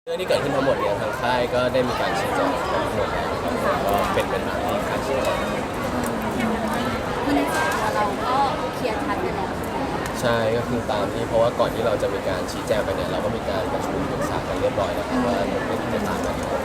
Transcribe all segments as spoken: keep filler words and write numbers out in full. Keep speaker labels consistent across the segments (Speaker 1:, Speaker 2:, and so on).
Speaker 1: เรื่องที่เกิดขึ้นทั้งหมดเนี่ยทางค่ายก็ได้มีการชี้แจงทั้งหมดแล้วครับก็เป็นเป็นตามที่ค่ายชี้แจง
Speaker 2: คือในส่วนตัวเราก็เคลียร์ชัดไปแล้ว
Speaker 1: ใช่ก็คือตามที่เพราะว่าก่อนที่เราจะมีการชี้แจงไปเนี่ยเราก็มีการประชุมปรึกษากันเรียบร้อยแล้วครับว่าเป็นเป็นตามนั้นครับ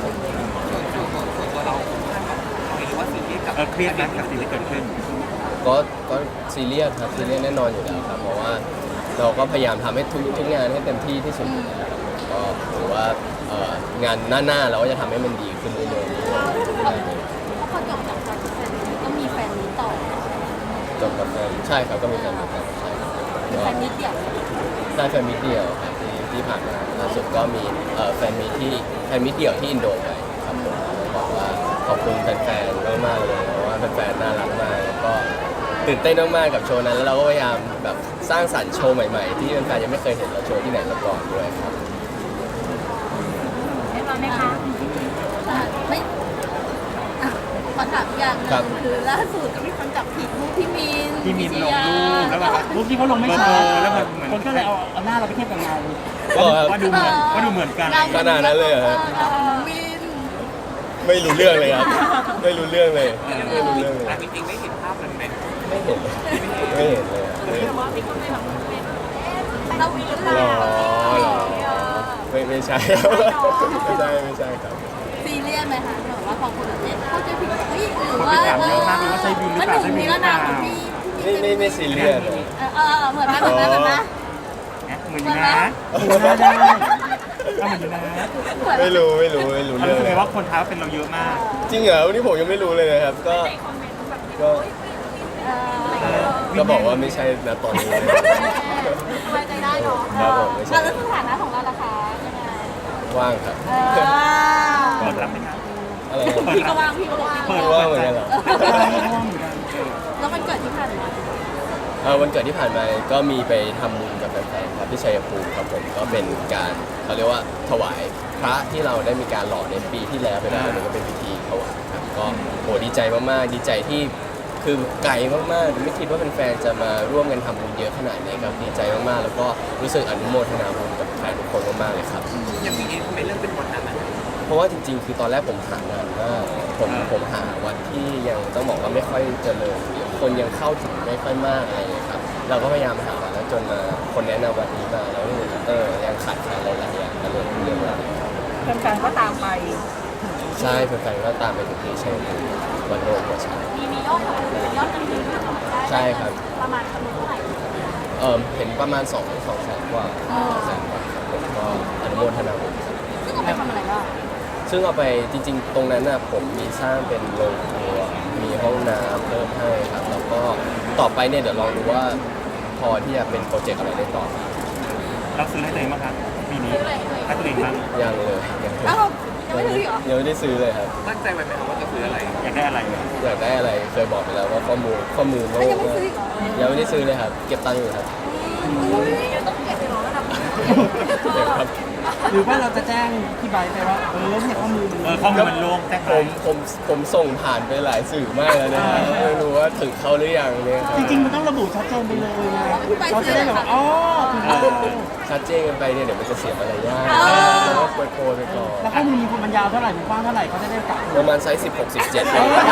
Speaker 3: ตัวเราหรือว่าสิ่งที่กับเครียดนะกับสิ่งที่เกิดขึ้น
Speaker 1: ก็ก็ซีเรียสครับซีเรียสแน่นอนอยู่แล้วครับเพราะว่าเราก็พยายามทำให้ทุกทุกงานให้เต็มที่ที่สุดอยู่แล้วครับก็ถือว่าเอ่องานหน้าๆเราก็จะทำให้มันดีขึ้นเรื่อยๆ
Speaker 2: เพราะพอจบจากการแฟนมีตก็มีแฟนมีตต่อ
Speaker 1: จบกับแฟนใช่ครับก็มีแฟนมีตใช่ครับ
Speaker 2: แฟนมีตเดี่ยว
Speaker 1: ได้แฟนมิตรเดียวครับที่ที่ผ่านมาล่าสุดก็มีเอ่อแฟนมิตรที่แฟนมิตรเดี่ยวที่อินโดไปครับผมบอกว่าขอบคุณแฟนๆมากๆเลยเพราะว่าแฟนๆน่ารักมากแล้วก็ตื่นเต้นมากๆกับโชว์นั้นแล้วเราก็พยายามแบบสร้างสรรค์โชว์ใหม่ๆที่แฟนๆยังไม่เคยเห็นเราโชว์ที่ไหนมาก่อนด้วยครับ
Speaker 2: ได้มาไหมคะไม่อ่ะขอถามอย่างหนึ
Speaker 1: ครับ
Speaker 2: งคือล่าสุดก็มีคนจับผิดรูปพี่มิน
Speaker 3: ที่มีลงรูปแล้วแบบ
Speaker 4: รูปที่เขาลงไม่
Speaker 3: เบ
Speaker 4: ชั
Speaker 3: อ
Speaker 4: ด
Speaker 3: ร์แล้วแบบเหมือน
Speaker 4: คนก็เลยเอาเอาหน้าเราไปเทียบกับเงา
Speaker 1: ก็ครับ
Speaker 3: ว่าดูเหมือนว่าดูเหมือนกัน
Speaker 1: ขนาดนั้นเลยเหรอฮะ
Speaker 2: เราน้องมิน
Speaker 1: ไม่รู้เรื่องเลยครับไม่รู้เรื่องเลยไม่รู้เรื่องเลย
Speaker 3: แต่จริงๆไม่เห็นภาพนั้นไหม
Speaker 1: ไม่เห็นไม่เห็นเลยอะ
Speaker 2: เราวิน
Speaker 1: หรอหรอไม่ไม่ใช่ครับไม่ใช่ไม่ใช่ครับ
Speaker 2: ซีเรียสไหมคะแบบว่าพอคนแบบเนี้ยเข้าใจผิดเฮ้ยหรือว่า
Speaker 3: คนไปถามเยอะมากเลยว่าใช่วินหรือเปล่า
Speaker 2: มันถึงมีแล้วนะของพี่
Speaker 1: ไม่ไม่ไม่ซีเรียสเลย
Speaker 2: เออเออเหมือนกันเหมือนกันเหมือนกัน
Speaker 3: เหมือนอยู่นะ
Speaker 4: ดูหน้าได้เอาเหมือนอยู่นะ
Speaker 1: ไม่รู้ไม่รู้ไม่รู้
Speaker 3: เรา
Speaker 1: เรื่อ
Speaker 3: รู้
Speaker 1: ง
Speaker 3: สึก
Speaker 1: เล
Speaker 3: เลย ยว่าคนท้าเป็นเราเยอะมาก
Speaker 1: จริงเหรอวันนี้ผมยังไม่รู้เลยนะครับ ก็ก็
Speaker 2: เออ
Speaker 1: ก็บอกว่าไม่ใช่นะตอนนี้เลย
Speaker 2: สบายใจได้เนาะ
Speaker 1: ครับผมไม่ใช่
Speaker 2: แล้วสถานะของเราล่ะคะยังไง
Speaker 1: ว่างครับ
Speaker 2: เออ
Speaker 3: เปิดรับไหมครับ
Speaker 1: อะไรนะ
Speaker 2: พี่ก็ว่างพี่ก็บอก
Speaker 3: เปิ
Speaker 2: พี่
Speaker 3: ด
Speaker 2: ก็
Speaker 1: ว่า
Speaker 2: ว่าง
Speaker 1: งเหมือนกันเหรอ
Speaker 2: แล้วมันเกิดที่ผ่านมา
Speaker 1: เอ่อวันเกิดที่ผ่านมาก็มีไปทำบุญกับแฟนๆครับที่ชัยภูมิครับผมก็เป็นการเขาเรียกว่าถวายพระที่เราได้มีการหล่อในปีที่แล้วไปแล้วเนี่ยก็เป็นพิธีถวายครับก็โหดีใจมากๆดีใจที่คือไกลมากๆไม่คิดว่าแฟนๆจะมาร่วมกันทำบุญเยอะขนาดนี้ครับดีใจมากๆแล้วก็รู้สึกอนุโมทนาบุญกับแฟนทุกคนมากๆเลยครับ
Speaker 3: ยังมีทำไมเรื่องเป็นวันนั้นอ่ะ
Speaker 1: เพราะว่าจริงๆ คือตอนแรกผมหานานมากผมผมหาวันที่ยังต้องบอกว่าไม่ค่อยเจริญหรือคนยังเข้าถึงไม่ค่อยมากอะไรอย่างเงี้ยครับ เราก็พยายามหามาแล้วจนมาคนแนะนำวันนี้มาแล้วนี่เออยังขาดแคลนหลายๆอย่างก็เลยเรื่องราว
Speaker 4: แฟนๆก็ตามไป
Speaker 1: ใช่แฟนๆก็ตามไปถึงที่ใช่วันโลกหัวช้าง
Speaker 2: มีมียอดของเป็นยอดเงินที่
Speaker 1: ใช่ครับ
Speaker 2: ประมาณจำนวนเท่าไหร่
Speaker 1: เออเห็นประมาณ2 2แสนกว่าสองแสนกว่าครับผมก็อนุโมทนาบุญครับ
Speaker 2: ซึ่งเอาไปทำอะไรบ้าง
Speaker 1: ซึ่งเอาไปจริงๆ ตรงนั้นน่ะผมมีสร้างเป็นโรงครัวมีห้องน้ำเพิ่มให้ครับ แล้วก็ต่อไปเนี่ยเดี๋ยวลองดูว่าพอที่จะเป็นโปรเจกต์อะไรได้ต่อ
Speaker 3: เราซื้อให้ตัวเองมั้งครับปีนี้ให้ตัวเองบ้าง
Speaker 1: ยังเลยยัง
Speaker 2: อ้าวยังไม่ซื้ออีกเหรอ
Speaker 1: ยังไม่ได้ซื้อเลยครับ
Speaker 3: ตั้งใจไว้ไหมครับว่าจะซื้ออะไร อยากได้อะไร
Speaker 1: อยากได้อะไรเคยบอกไปแล้วว่าข้อมูลข้อมูลโล
Speaker 2: แล้ว
Speaker 1: ก
Speaker 2: ยังไม่ซื้ออีกเหรอ
Speaker 1: ยังไม่ได้ซื้อเลยครับ เก็บตังค์อยู่ครับ
Speaker 2: อุ้ยต้องเก็บไปหรอระดับ
Speaker 1: เก็บครับ
Speaker 4: หรือว่าเราจะแจ้งพี่ใบร์ทไปว่า เออเนี่ยข้อมูล
Speaker 3: เออข้อมูลมันโล่งแจ้ง
Speaker 1: ผ
Speaker 3: ไป
Speaker 1: มผมผมส่งผ่านไปหลายสื่อมากแล้วนะครับไม่รู้ว่าถึงเขาหรือยังเนี่ยครับ
Speaker 4: จริงๆมันต้องระบุชัดเจนไปเลยไงเขาจะได้แบบว่าอ๋อถึงเรา
Speaker 1: ชัดเจนกันไปเนี่ยเดี๋ยวมันจะเสียมารยาทแล้วก็โปรยๆไปก่อน
Speaker 4: แล้วข้อมูลมีความยาวเท่าไหร่มีกว้างเท่าไหร่เขาจะได้กลับ
Speaker 1: ประมาณไซส์สิบหก สิบเจ็ด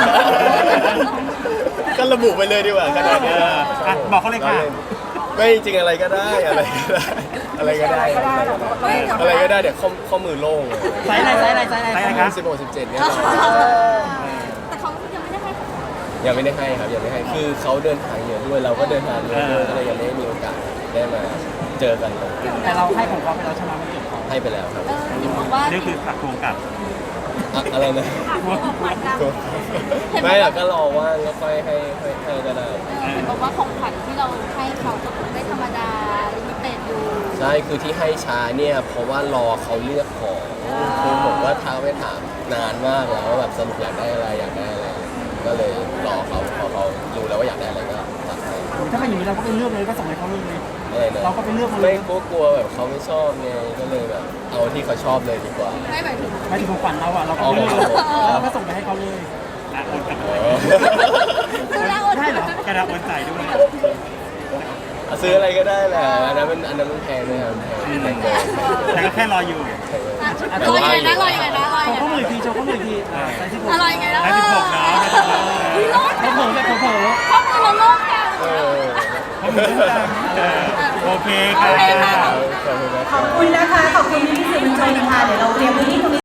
Speaker 1: ก็ระบุไปเลยดีกว่าขนาดนี้
Speaker 3: อ่ะบอกเขาเลยค่ะ
Speaker 1: ไม่จริงอะไรก็ได้อะไรก็ได้อะไรก็ได้อะไรก็ได้เดี๋ยวข้อข้อมือโล่ง
Speaker 4: ไซส์อะไรไซส์อะไรไซส์อะไร
Speaker 3: ไซส์อะไรครับ
Speaker 1: สิบหกสิบเจ็ดเนี่ย
Speaker 2: แต่เขายังไม่ได้ให้ของ
Speaker 1: ยังไม่ได้ให้ครับยังไม่ให้คือเขาเดินทางเยอะด้วยเราก็เดินทางเยอะด้วยก็เลยยังไม่ได้มีโอกาสได้มาเจอกัน
Speaker 4: แต่เราให้ของเขาไปแล้วใช่ไหมมันเก็บของ
Speaker 1: ให้ไปแล้วครับ
Speaker 2: เออที่บอกว่า
Speaker 3: นี่คือผักทวงกลับ
Speaker 1: อะอะไรนะ
Speaker 2: ของขวัญกัน
Speaker 1: ไม่หรอกก็รอว่างแล้วค่อยให้ให้ให้ก็ได้
Speaker 2: เห็นบอกว่าของขวัญที่เราให้เขาก็ไม่ธรรมดาลิมิเต็ดอยู่
Speaker 1: ใช่คือที่ให้ช้าเนี่ยเพราะว่ารอเขาเลือกของคือผมก็ท้าไปถามนานมากแล้วว่าแบบสรุปอยากได้อะไรอยากได้อะไร ก็เลยรอเขาพอเขารู้แล้วว่าอยากได้อะไรก็ตัดให้
Speaker 4: ถ้าเป็นอย่างนี้เราก็ไปเลือกเลยก็ส่งให้เขาเลย
Speaker 1: อะไรนะ
Speaker 4: เราก็ไปเลือกมาเล
Speaker 1: ไม่
Speaker 4: ย
Speaker 1: กลัวกลัวแบบเขาไม่ชอบไงก็เลยแบบเอาที่เขาชอบเลยดีกว่า
Speaker 2: ไม่หมายถึง
Speaker 4: ไม่ถึงของขวัญเราอ่ะเราก็ไปเลือกแล้วเราก็ส่งไปให้เขาเลย
Speaker 3: อ่ะโอนกลับ
Speaker 1: อ๋
Speaker 3: ไป
Speaker 1: อ
Speaker 2: คือเรา
Speaker 4: ได้เหรอ
Speaker 3: กระดาษโอนจ่ายด้วย
Speaker 1: เอาซื้ออะไรก็ได้แหละอันนั้นมันอันนั้นมันแพงเลยครับแพงเกิน
Speaker 3: แต่ก็แค่รออยู่
Speaker 2: ลอยยังไงนะลอยยังไงนะลอย
Speaker 4: โช
Speaker 2: ยัง
Speaker 4: ว์
Speaker 2: ไง
Speaker 4: ข้อมืออีกทีโชว์ข้อมืออีกทีอ่าใส่ที่ผม
Speaker 2: ลอยยังไงนะ
Speaker 3: ได้สิบหกเนาะ
Speaker 2: อุ้ยรอด
Speaker 4: เขาเผลอแบบเผลอ
Speaker 2: ข้อมือเราโล่งจัง
Speaker 1: เออ
Speaker 3: เขามีเรื่องกันเออโอเคค่ะ
Speaker 1: ขอบคุณนะ
Speaker 5: ขอบคุณนะคะ ขอบคุณพี่ๆสื่อมวลชนค่ะ เดี๋ยวเราเตรียมพื้นที่ตรงนี้